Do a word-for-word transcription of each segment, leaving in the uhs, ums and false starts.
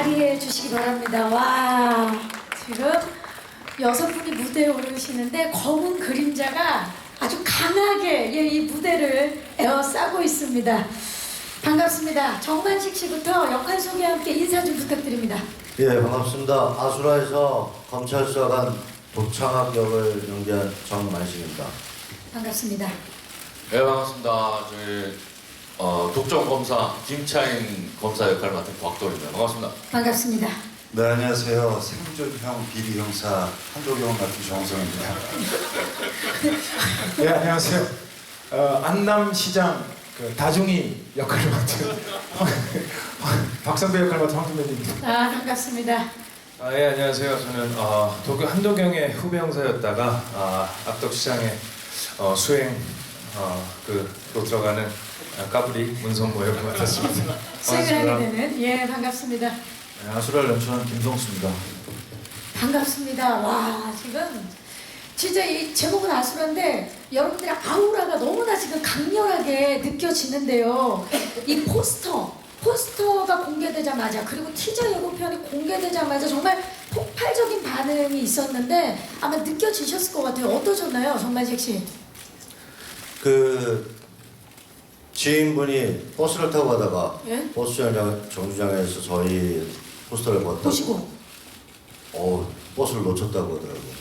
자리해 주시기 바랍니다. 와, 지금 여섯 분이 무대에 오르시는데 검은 그림자가 아주 강하게 예, 이 무대를 에워싸고 있습니다. 반갑습니다. 정만식 씨부터 역할 소개와 함께 인사 좀 부탁드립니다. 예, 반갑습니다. 아수라에서 검찰 수사관 도창학 역을 연기한 정만식입니다. 반갑습니다. 네, 반갑습니다. 저희 어, 독점 검사 김차인 검사 역할 맡은 곽도입니다. 반갑습니다. 반갑습니다. 네, 안녕하세요. 생존형 비리 형사 한도경 같은 정성입니다. 네, 안녕하세요. 어, 안남시장 그 다중이 역할을 맡은 박선배 역할 맡은 황준배입니다. 아, 반갑습니다. 아, 예, 안녕하세요. 저는 어, 도쿄 한도경의 후배 형사였다가 아, 압덕시장의 어, 수행 어, 그로 들어가는 아, 까불이 문성모 역을 맡았습니다. 수행을 하게 되는 예, 반갑습니다. 네, 아수라를 연출한 김성수입니다. 반갑습니다. 와, 지금 진짜 이 제목은 아수라인데 여러분들의 아우라가 너무나 지금 강렬하게 느껴지는데요. 이 포스터, 포스터가 공개되자마자 그리고 티저 예고편이 공개되자마자 정말 폭발적인 반응이 있었는데 아마 느껴지셨을 것 같아요. 어떠셨나요, 정만식 씨? 그 지인분이 버스를 타고 가다가 예? 버스 정류장, 정류장에서 저희 포스터를 봤다고 보시고 어, 버스를 놓쳤다고 하더라고요.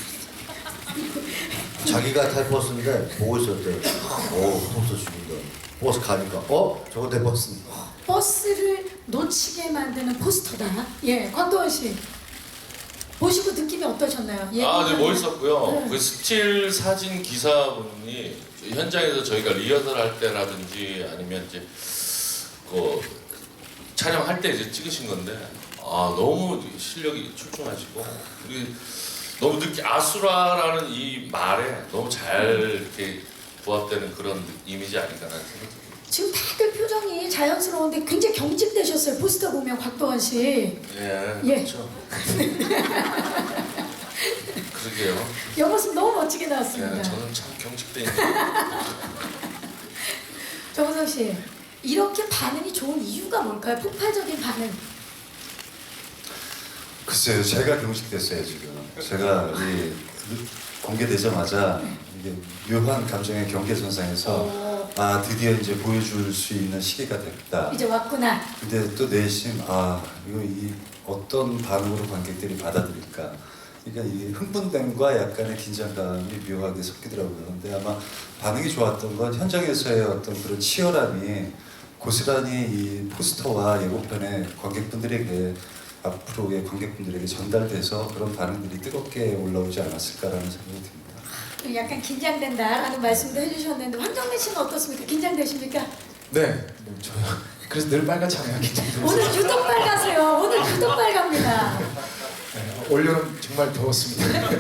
자기가 탈 버스인데 보고 있었대요. 어, 포스터 죽인다. 버스 가니까 어? 저거 내 버스인데. 버스를 놓치게 만드는 포스터다. 예, 곽도원 씨 보시고 느낌이 어떠셨나요? 아, 네, 예고편을- 멋있었고요. 네. 그 스틸 사진 기사분이 현장에서 저희가 리허설 할 때라든지 아니면 이제 그 촬영할 때 이제 찍으신 건데 아, 너무 실력이 출중하시고 그리고 너무 느끼 아수라라는 이 말에 너무 잘 이렇게 부합되는 그런 이미지 아닌가라는 생각이 듭니다. 지금 다들 표정이 자연스러운데 굉장히 경직되셨어요. 포스터 보면 곽도원 씨. 예, 예. 그렇죠. 그러게요. 옆모습 너무 멋지게 나왔습니다. 예, 저는 참 경직돼 있는. 정우성 씨, 이렇게 반응이 좋은 이유가 뭘까요? 폭발적인 반응. 글쎄요, 제가 경직됐어요 지금. 제가 이 공개되자마자 이게 묘한 감정의 경계선상에서 어, 아 드디어 이제 보여줄 수 있는 시기가 됐다. 이제 왔구나. 근데 또 내심 아 이거 이 어떤 반응으로 관객들이 받아들일까. 그러니까 이 흥분됨과 약간의 긴장감이 묘하게 섞이더라고요. 근데 아마 반응이 좋았던 건 현장에서의 어떤 그런 치열함이 고스란히 이 포스터와 예고편에 관객분들에게 앞으로의 관객분들에게 전달돼서 그런 반응들이 뜨겁게 올라오지 않았을까라는 생각이 듭니다. 약간 긴장된다라는 말씀도 해주셨는데 황정민 씨는 어떻습니까? 긴장되십니까? 네, 뭐 저요. 그래서 늘 빨갛잖아요. 긴장돼서. 오늘 유독 빨가세요. 오늘 유독 빨갑니다. 네, 올여름 정말 더웠습니다.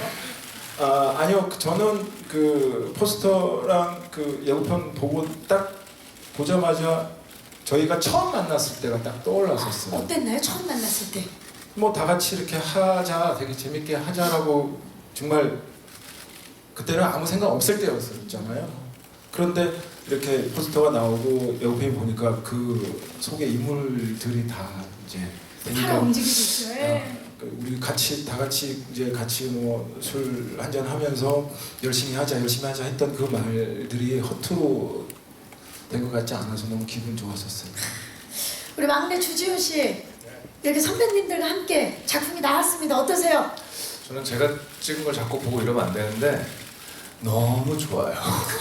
아, 아니요, 저는 그 포스터랑 그 예고편 보고 딱 보자마자 저희가 처음 만났을 때가 딱 떠올랐었어요. 어땠나요? 처음 만났을 때. 뭐 다 같이 이렇게 하자, 되게 재밌게 하자라고 정말 그때는 아무 생각 없을 때였었잖아요. 그런데 이렇게 포스터가 나오고 예고편이 보니까 그 속에 인물들이 다 이제 살아 되니까 움직이고 있어요. 예. 그 우리 같이 다 같이 이제 같이 뭐 술 한잔 하면서 열심히 하자, 열심히 하자 했던 그 말들이 허투루 된 것 같지 않아서 너무 기분 좋았었어요. 우리 막내 주지훈 씨, 이렇게 선배님들과 함께 작품이 나왔습니다. 어떠세요? 저는 제가 찍은 걸 자꾸 보고 이러면 안 되는데 너무 좋아요.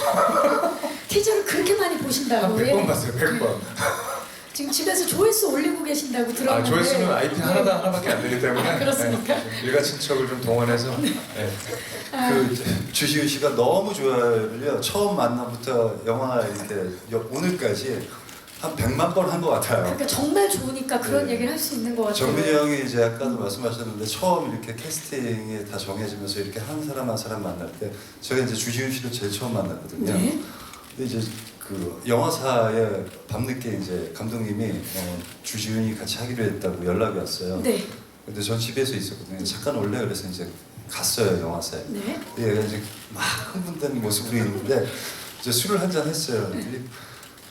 티저를 그렇게 많이 보신다고. 한 백 번 봤어요, 백 번. 지금 집에서 조회수 올리고 계신다고 아, 들었는데. 조회수는 아이피 하나당 하나밖에 안 되기 때문에 아, 그렇습니까? 네, 일가친척을 좀 동원해서 네. 아, 그 주시은 씨가 너무 좋아요를요. 처음 만남부터 영화 이렇게 여- 오늘까지 한 백만 번 한 것 같아요. 그러니까 정말 좋으니까 그런 네. 얘기를 할 수 있는 것 같아요. 정민이 형이 이제 아까도 말씀하셨는데 처음 이렇게 캐스팅이 다 정해지면서 이렇게 한 사람 한 사람 만날 때 제가 이제 주지훈 씨를 제일 처음 만났거든요. 네. 근데 이제 그 영화사에 밤늦게 이제 감독님이 어, 주지훈이 같이 하기로 했다고 연락이 왔어요. 네. 근데 전 집에서 있었거든요. 잠깐 올래 그래서 이제 갔어요 영화사에. 네. 근데 얘가 이제 막 흥분된 모습으로 있는데 이제 술을 한 잔 했어요. 그랬더니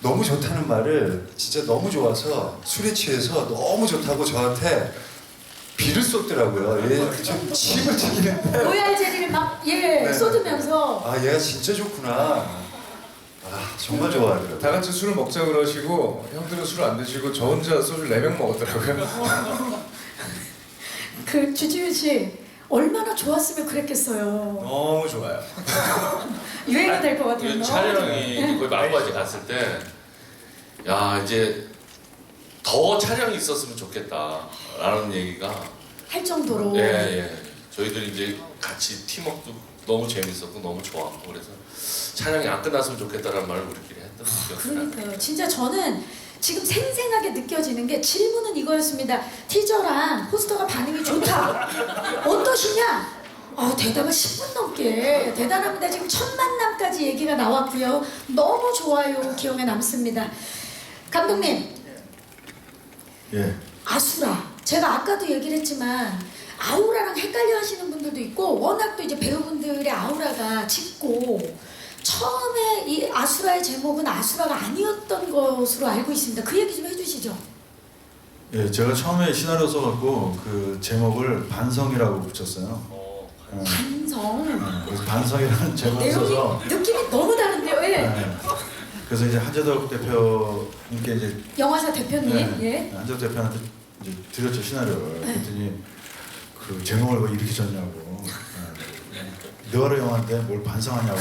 너무 좋다는 말을 진짜 너무 좋아서 술에 취해서 너무 좋다고 저한테 비를 쏟더라고요. 얘 좀 침을 튀기는데 로얄 젤리를 막 예 네. 쏟으면서 아 얘가 진짜 좋구나. 아 정말 좋아하더라고요. 다 같이 술을 먹자 그러시고 형들은 술 안 드시고 저 혼자 소주 네 병 먹었더라고요. 그 주지훈 씨 얼마나 좋았으면 그랬겠어요. 너무 좋아요. 유행이 될 것 같아요. 그 너무 촬영이 좋아요. 거의 마무리까지 갔을 때, 야 이제 더 촬영이 있었으면 좋겠다라는 얘기가 할 정도로. 예, 예. 저희들이 이제 같이 팀워크도 너무 재밌었고 너무 좋았고 그래서 촬영이 안 끝났으면 좋겠다라는 말을 우리끼리 했던 기억이 나요. 그러니까요. 진짜 저는 지금 생생하게 느껴지는 게 질문은 이거였습니다. 티저랑 포스터가 반응이 좋다. 어떠시냐? 아, 대답을 십 분 넘게 대단합니다. 지금 첫 만남까지 얘기가 나왔고요. 너무 좋아요. 기억에 남습니다. 감독님, 예. 아수라. 제가 아까도 얘기를 했지만 아우라랑 헷갈려 하시는 분들도 있고 워낙 또 이제 배우분들의 아우라가 짙고 처음에 이 아수라의 제목은 아수라가 아니었던 것으로 알고 있습니다. 그 얘기 좀 해주시죠. 예, 제가 처음에 시나리오 써갖고 그 제목을 반성이라고 붙였어요. 어, 예, 반성. 예, 그래서 반성이라는 제목을 써서 내용이 느낌이 너무 다른데요. 예. 예, 그래서 이제 한재덕 대표님께 이제 영화사 대표님. 예. 한재덕 대표한테 이제 드렸죠 시나리오를. 그랬더니 그 제목을 왜 이렇게 졌냐고. 예, 너를 영화인데 뭘 반성하냐고.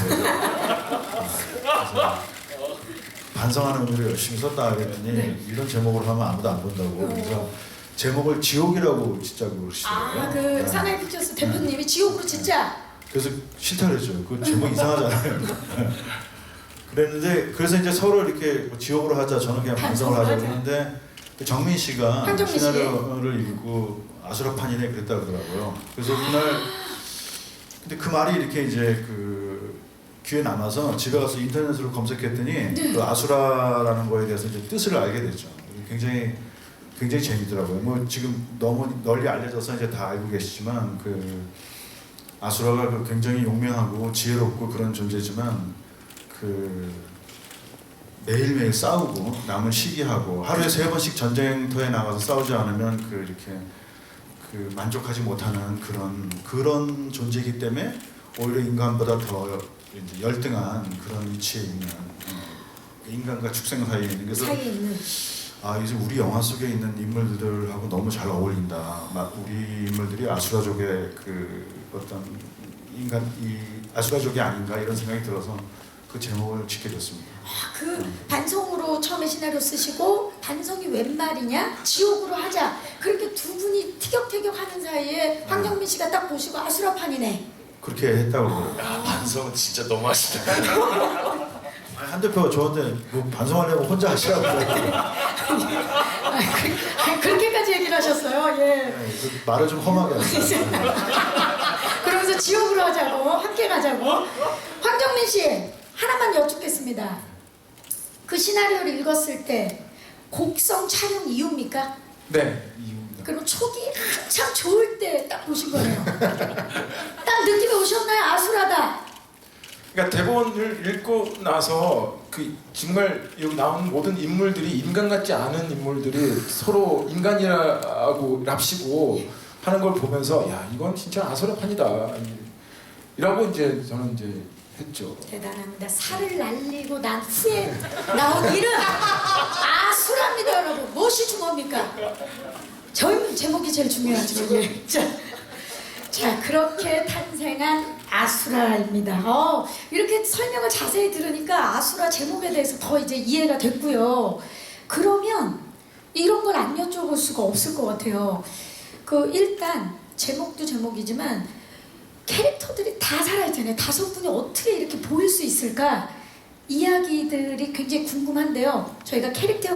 그래서 반성하는 의미로 열심히 썼다 그랬더니 네. 이런 제목으로 하면 아무도 안 본다고. 그래서 제목을 지옥이라고 짓자고 그러시더라고요. 아, 그 네. 사나이 픽처스 대표님이 지옥으로 진짜. 그래서 싫다 그랬죠. 그 제목 이상하잖아요. 그랬는데 그래서 이제 서로 이렇게 뭐 지옥으로 하자, 저는 그냥 반성을 하자 반성을 하자. 그랬는데 그 정민 씨가 황정민 씨. 시나리오를 읽고 아수라판이네 그랬다 그러더라고요. 그래서 그날 근데 그 말이 이렇게 이제 그 귀에 남아서 집에 가서 인터넷으로 검색했더니 네. 그 아수라라는 거에 대해서 이제 뜻을 알게 됐죠. 굉장히 굉장히 재미더라고요. 뭐 지금 너무 널리 알려져서 이제 다 알고 계시지만 그 아수라가 그 굉장히 용맹하고 지혜롭고 그런 존재지만 그 매일매일 싸우고 남을 시기하고 하루에 세 번씩 전쟁터에 나가서 싸우지 않으면 그 이렇게 그 만족하지 못하는 그런 그런 존재이기 때문에 오히려 인간보다 더 이제 열등한 그런 위치에 있는 어, 인간과 축생 사이에 있는 그래서 사이에 있는. 아 이제 우리 영화 속에 있는 인물들하고 너무 잘 어울린다. 막 우리 인물들이 아수라족의 그 어떤 인간 이 아수라족이 아닌가 이런 생각이 들어서 그 제목을 짓게 됐습니다. 아, 그 반성으로 처음에 시나리오 쓰시고 반성이 웬 말이냐? 지옥으로 하자. 그렇게 두 분이 티격태격 하는 사이에 황정민 씨가 딱 보시고 아수라판이네. 그렇게 했다고 그러더라고요. 야 반성은 진짜 너무 하시다. 아니, 한 대표가 저한테 뭐 반성하려고 혼자 하시라고 그러더라고요. 아, 그, 아니, 그렇게까지 얘기를 하셨어요. 예. 네, 그 말을 좀 험하게 하세요. 그러면서 지옥으로 하자고 함께 가자고. 황정민 씨 하나만 여쭙겠습니다. 그 시나리오를 읽었을 때 곡성 촬영 이후입니까? 네, 이유입니다. 그럼 촉이 한참 좋을 때 딱 보신 거네요. 딱 느낌이 오셨나요? 아수라다. 그러니까 대본을 읽고 나서 그 정말 여기 나온 모든 인물들이 인간 같지 않은 인물들이 서로 인간이라고 랍시고 하는 걸 보면서 야 이건 진짜 아수라판이다 이라고 이제 저는 이제 했죠. 대단합니다. 살을 날리고 난 후에 나온 이름 아수라입니다, 여러분. 무엇이 중요합니까? 저 제목이 제일 중요하죠. 예. 자, 자 그렇게 탄생한 아수라입니다. 어, 이렇게 설명을 자세히 들으니까 아수라 제목에 대해서 더 이제 이해가 됐고요. 그러면 이런 걸 안 여쭤볼 수가 없을 것 같아요. 그 일단 제목도 제목이지만 캐릭터들이 다 살아있잖아요. 다섯 분이 어떻게 이렇게 보일 수 있을까? 이야기들이 굉장히 궁금한데요. 저희가 캐릭터